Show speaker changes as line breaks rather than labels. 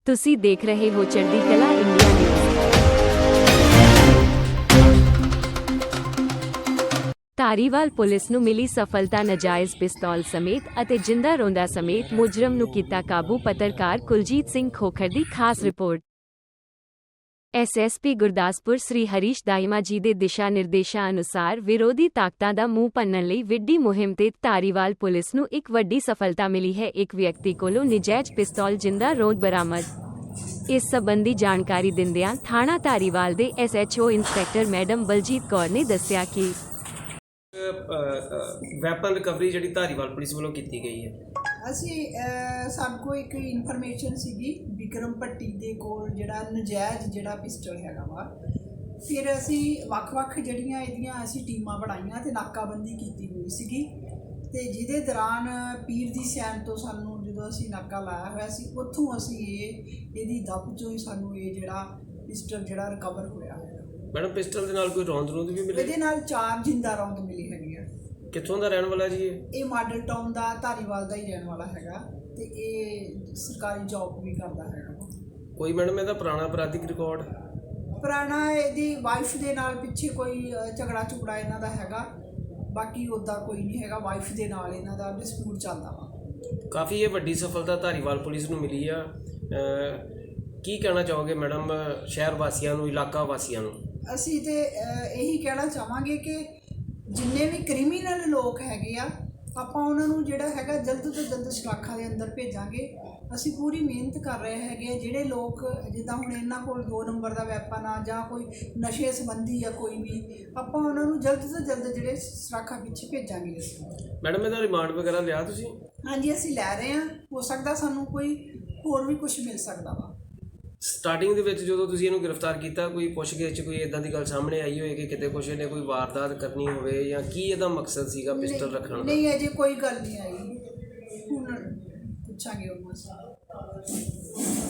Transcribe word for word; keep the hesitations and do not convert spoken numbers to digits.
ਤੁਸੀਂ ਦੇਖ ਰਹੇ ਹੋ ਚੜ੍ਹਦੀ ਕਲਾ ਇੰਡੀਆ ਨਿਊਜ਼। ਧਾਰੀਵਾਲ ਪੁਲਿਸ ਨੂੰ ਮਿਲੀ ਸਫਲਤਾ। ਨਾਜਾਇਜ਼ ਪਿਸਤੌਲ ਸਮੇਤ ਅਤੇ ਜਿੰਦਾ ਰੋਂਦਾ ਸਮੇਤ ਮੁਜਰਮ ਨੂੰ ਕੀਤਾ ਕਾਬੂ। ਪੱਤਰਕਾਰ ਕੁਲਜੀਤ ਸਿੰਘ ਖੋਖਰ ਦੀ ਖਾਸ report. S S P Gurdaspur Shri Harish Daima ji ਦੇ ਦਿਸ਼ਾ ਨਿਰਦੇਸ਼ਾਂ ਅਨੁਸਾਰ ਵਿਰੋਧੀ ਤਾਕਤਾਂ ਦਾ ਮੂੰਹ ਭੰਨਣ ਲਈ ਵਿੱਢੀ ਮੁਹਿੰਮ ਤਹਿਤ ਧਾਰੀਵਾਲ ਪੁਲਿਸ ਨੂੰ ਇੱਕ ਵੱਡੀ ਸਫਲਤਾ ਮਿਲੀ ਹੈ। ਇੱਕ ਵਿਅਕਤੀ ਕੋਲੋਂ ਨਜਾਇਜ਼ ਪਿਸਤੌਲ ਜਿੰਦਾ ਰੋਂਦ ਬਰਾਮਦ। ਇਸ ਸੰਬੰਧੀ ਜਾਣਕਾਰੀ ਦਿੰਦਿਆਂ ਥਾਣਾ ਧਾਰੀਵਾਲ ਦੇ S H O inspector madam Baljit Kaur ਨੇ ਦੱਸਿਆ ਕਿ
ਵੈਪਨ ਰਿਕਵਰੀ ਜਿਹੜੀ ਧਾਰੀਵਾਲ ਪੁਲਿਸ ਵੱਲੋਂ ਕੀਤੀ ਗਈ ਹੈ।
ਅਸੀਂ ਸਾਨੂੰ ਕੋਲ ਇੱਕ ਇਨਫੋਰਮੇਸ਼ਨ ਸੀਗੀ ਵਿਕਰਮ ਭੱਟੀ ਦੇ ਕੋਲ ਜਿਹੜਾ ਨਜਾਇਜ਼ ਜਿਹੜਾ ਪਿਸਟਲ ਹੈਗਾ ਵਾ। ਫਿਰ ਅਸੀਂ ਵੱਖ-ਵੱਖ ਜਿਹੜੀਆਂ ਇਹਦੀਆਂ ਅਸੀਂ ਟੀਮਾਂ ਬਣਾਈਆਂ ਤੇ ਨਾਕਾਬੰਦੀ ਕੀਤੀ ਹੋਈ ਸੀਗੀ ਤੇ ਜਿਹਦੇ ਦੌਰਾਨ ਪੀਰ ਦੀ ਸੈਨ ਤੋਂ ਸਾਨੂੰ ਜਦੋਂ ਅਸੀਂ ਨਾਕਾ ਲਾਇਆ ਹੋਇਆ ਸੀ ਉੱਥੋਂ ਅਸੀਂ ਇਹ ਇਹਦੀ ਦੱਬ ਚੋਂ ਹੀ ਸਾਨੂੰ ਇਹ ਜਿਹੜਾ ਪਿਸਟਲ ਜਿਹੜਾ ਰਿਕਵਰ ਹੋਇਆ ਹੈ।
ਮੈਡਮ ਪਿਸਟਲ ਦੇ ਨਾਲ ਕੋਈ ਰੌਂਦ ਰੂੰਦ ਵੀ ਮਿਲੇ?
ਇਹਦੇ ਨਾਲ ਚਾਰ ਜਿੰਦਾ ਰੌਂਦ ਮਿਲੀ ਹੈਗੀ ਆ।
ਕਿੱਥੋਂ ਦਾ ਰਹਿਣ ਵਾਲਾ ਜੀ ਇਹ?
ਇਹ ਮਾਡਲ ਟਾਊਨ ਦਾ ਧਾਰੀਵਾਲ ਦਾ ਹੀ ਰਹਿਣ ਵਾਲਾ ਹੈਗਾ ਤੇ ਇਹ ਸਰਕਾਰੀ ਜੌਬ ਵੀ ਕਰਦਾ ਹੈਗਾ।
ਕੋਈ ਮੈਡਮ ਇਹਦਾ ਪੁਰਾਣਾ ਅਪਰਾਧਿਕ ਰਿਕਾਰਡ?
ਪੁਰਾਣਾ ਇਹਦੀ ਵਾਈਫ ਦੇ ਨਾਲ ਪਿੱਛੇ ਕੋਈ ਝਗੜਾ ਝੁਗੜਾ ਇਹਨਾਂ ਦਾ ਹੈਗਾ, ਬਾਕੀ ਉੱਦਾਂ ਕੋਈ ਨਹੀਂ ਹੈਗਾ। ਵਾਈਫ ਦੇ ਨਾਲ ਇਹਨਾਂ ਦਾ ਡਿਸਪਿਊਟ ਚੱਲਦਾ ਵਾ। ਕਾਫੀ
ਇਹ ਵੱਡੀ ਸਫਲਤਾ ਧਾਰੀਵਾਲ ਪੁਲਿਸ ਨੂੰ ਮਿਲੀ ਆ। ਕੀ ਕਹਿਣਾ ਚਾਹੋਗੇ ਮੈਡਮ ਸ਼ਹਿਰ ਵਾਸੀਆਂ ਨੂੰ, ਇਲਾਕਾ ਵਾਸੀਆਂ ਨੂੰ?
ਅਸੀਂ ਤੇ ਇਹੀ ਕਹਿਣਾ ਚਾਹਾਂਗੇ ਕਿ ਜਿੰਨੇ ਵੀ ਕ੍ਰਿਮੀਨਲ ਲੋਕ ਹੈਗੇ ਆ ਆਪਾਂ ਉਹਨਾਂ ਨੂੰ ਜਿਹੜਾ ਹੈਗਾ ਜਲਦ ਤੋਂ ਜਲਦ ਸਲਾਖਾਂ ਦੇ ਅੰਦਰ ਭੇਜਾਂਗੇ। ਅਸੀਂ ਪੂਰੀ ਮਿਹਨਤ ਕਰ ਰਹੇ ਹੈਗੇ ਆ। ਜਿਹੜੇ ਲੋਕ ਜਿੱਦਾਂ ਹੁਣ ਇਹਨਾਂ ਕੋਲ ਦੋ ਨੰਬਰ ਦਾ ਵੈਪਨ ਆ ਜਾਂ ਕੋਈ ਨਸ਼ੇ ਸੰਬੰਧੀ ਆ ਕੋਈ ਵੀ, ਆਪਾਂ ਉਹਨਾਂ ਨੂੰ ਜਲਦ ਤੋਂ ਜਲਦ ਜਿਹੜੇ ਸਲਾਖਾਂ ਪਿੱਛੇ ਭੇਜਾਂਗੇ। ਅਸੀਂ
ਮੈਡਮ ਇਹਦਾ ਰਿਮਾਂਡ ਵਗੈਰਾ ਲਿਆ ਤੁਸੀਂ?
ਹਾਂਜੀ ਅਸੀਂ ਲੈ ਰਹੇ ਹਾਂ। ਹੋ ਸਕਦਾ ਸਾਨੂੰ ਕੋਈ ਹੋਰ ਵੀ ਕੁਝ ਮਿਲ ਸਕਦਾ ਵਾ।
ਸਟਾਰਟਿੰਗ ਦੇ ਵਿੱਚ ਜਦੋਂ ਤੁਸੀਂ ਇਹਨੂੰ ਗ੍ਰਿਫਤਾਰ ਕੀਤਾ ਕੋਈ ਪੁੱਛਗਿੱਛ 'ਚ ਕੋਈ ਇੱਦਾਂ ਦੀ ਗੱਲ ਸਾਹਮਣੇ ਆਈ ਹੋਏ ਕਿ ਕਿਤੇ ਕੁਛ ਇਹਨੇ ਕੋਈ ਵਾਰਦਾਤ ਕਰਨੀ ਹੋਵੇ ਜਾਂ ਕੀ ਇਹਦਾ ਮਕਸਦ ਸੀਗਾ ਪਿਸਟਲ ਰੱਖਣ ਦਾ?
ਨਹੀਂ ਅਜੇ ਕੋਈ ਗੱਲ ਨਹੀਂ ਆਈ, ਹੁਣ ਪੁੱਛਾਂਗੇ ਉਹਨੂੰ ਅਸੀਂ।